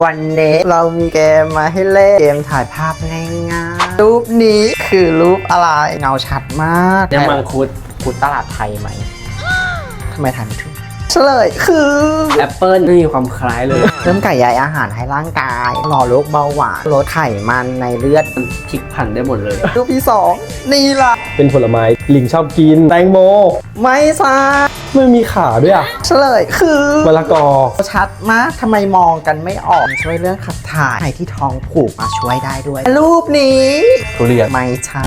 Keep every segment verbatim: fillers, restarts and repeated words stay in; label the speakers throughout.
Speaker 1: วันนี้เรามีเกมมาให้เล่นเกมถ่ายภาพง่ายๆรูปนี้คือรูปอะไรเงาชัดมาก
Speaker 2: น้ำมังคุดคุดตลาดไทยไหม
Speaker 1: ทำไมทันไม่ถูกเฉลยคือ
Speaker 2: แอปเปิ้ลไม่มีความคล้ายเลย
Speaker 1: เริ่มไก่ใยอาหารให้ร่างกายหล่อโรคเบาหวานลดไขมันในเลือด
Speaker 2: มันพลิกผันได้หมดเลย
Speaker 1: รูปที่สองนี่ล่ะ
Speaker 3: เป็นผลไม้ลิงชอบกินแตงโม
Speaker 1: ไม่ซา
Speaker 3: ไม่มีขาด้วยอ่ะ
Speaker 1: เฉลยคือ
Speaker 3: มะละกอ
Speaker 1: ชัดมากทำไมมองกันไม่ออกช่วยเรื่องขับถ่ายใครที่ท้องผูกมาช่วยได้ด้วย รูปนี้
Speaker 3: ทุเรียน
Speaker 1: ไม่ใช่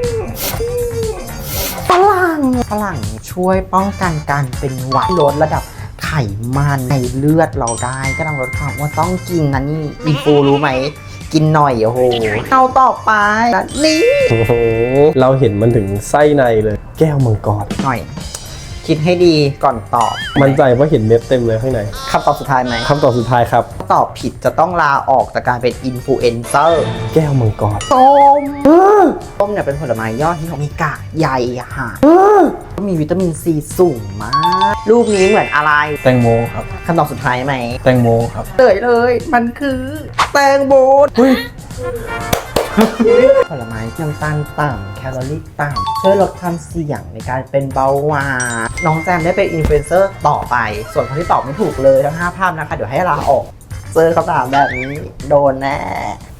Speaker 1: ฝรั่งฝรั่งช่วยป้องกันการเป็นหวัดลดระดับไขมันในเลือดเราได้ก็ต้องลดความว่าต้องกินนะนี่อินฟูรู้ไหม กินหน่อยโอ้โหเอาต่อไปและนี่
Speaker 3: โอ้โหเราเห็นมันถึงไส้ในเลย แก้วมังกร
Speaker 1: หน่อย คิดให้ดีก่อนตอบ
Speaker 3: มั่นใจว่าเห็นเม็ดเต็มเลยข้างใน
Speaker 1: คำตอบสุดท้ายไหม
Speaker 3: คำตอบสุดท้ายครับ
Speaker 1: ตอบผิดจะต้องลาออกจากการเป็นอินฟลูเอนเซอร์
Speaker 3: แก้วมังกร
Speaker 1: ส้มส้มเนี่ยเป็นผลไม้ยอดที่เขามีกากใยอาหารก็มีวิตามินซีสูงมาก รูปนี้เหมือนอะไร
Speaker 3: แตงโมครับ
Speaker 1: คำตอบสุดท้ายไหม
Speaker 3: แตงโมครับ
Speaker 1: เลยเลย มันคือแตงโมผลไม้น้ำตาลต่ำแคลอรี่ต่ำช่วยลดความเสี่ยงในการเป็นเบาหวานน้องแจมได้เป็นอินฟลูเอนเซอร์ต่อไป ส่วนคนที่ตอบไม่ถูกเลยทั้งห้าภาพนะคะ เดี๋ยวให้ลาออก เจอคำถามแบบนี้โดนแน่